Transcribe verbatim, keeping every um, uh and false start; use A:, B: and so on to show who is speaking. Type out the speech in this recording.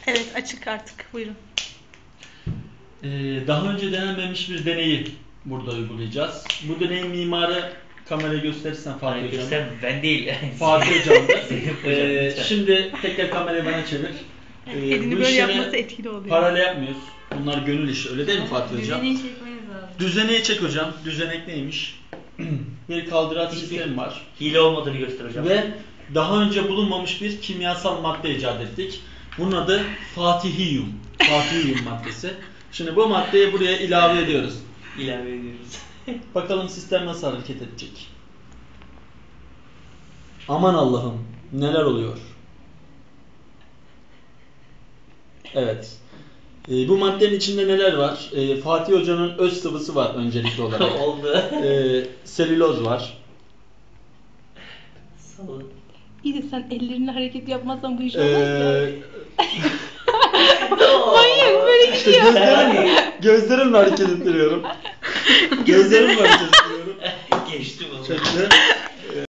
A: Evet, açık artık. Buyurun.
B: Ee, daha önce denenmemiş bir deneyi burada uygulayacağız. Bu deneyin mimarı, kamerayı gösterirsen Fatih Hocam.
C: Göster, ben değil.
B: Fatih Hocam'dır.
C: Hocam,
B: ee,
C: lütfen.
B: şimdi tekrar kamerayı bana çevir. Ee,
A: Elini
B: bu
A: böyle
B: işleri
A: yapması etkili oluyor.
B: parayla yapmıyoruz. Bunlar gönül işi. Öyle değil mi Fatih Hocam?
D: Düzeneyi çekmeniz lazım.
B: Düzeneği çek hocam. Düzenek neymiş? Bir kaldıraç sistemi var.
C: Hile olmadığını göster hocam.
B: Ve daha önce bulunmamış bir kimyasal madde icat ettik. Bunun adı Fatihiyum. Fatihiyum maddesi. Şimdi bu maddeyi buraya ilave ediyoruz.
C: İlave ediyoruz.
B: Bakalım sistem nasıl hareket edecek? Aman Allah'ım, neler oluyor? Evet. Ee, bu maddenin içinde neler var? Ee, Fatih Hoca'nın öz sıvısı var öncelikli olarak.
C: Oldu.
B: Ee, selüloz var.
C: Salın.
A: İyi de sen ellerini hareket yapmazsan bu iş olmaz
B: Ee,
A: ya. Manyak böyle
B: işte
A: gidiyor.
B: gözlerim, gözlerimle hareket ettiriyorum. Gözlerimle hareket ettiriyorum.
C: Geçti bunu.
B: Şöyle.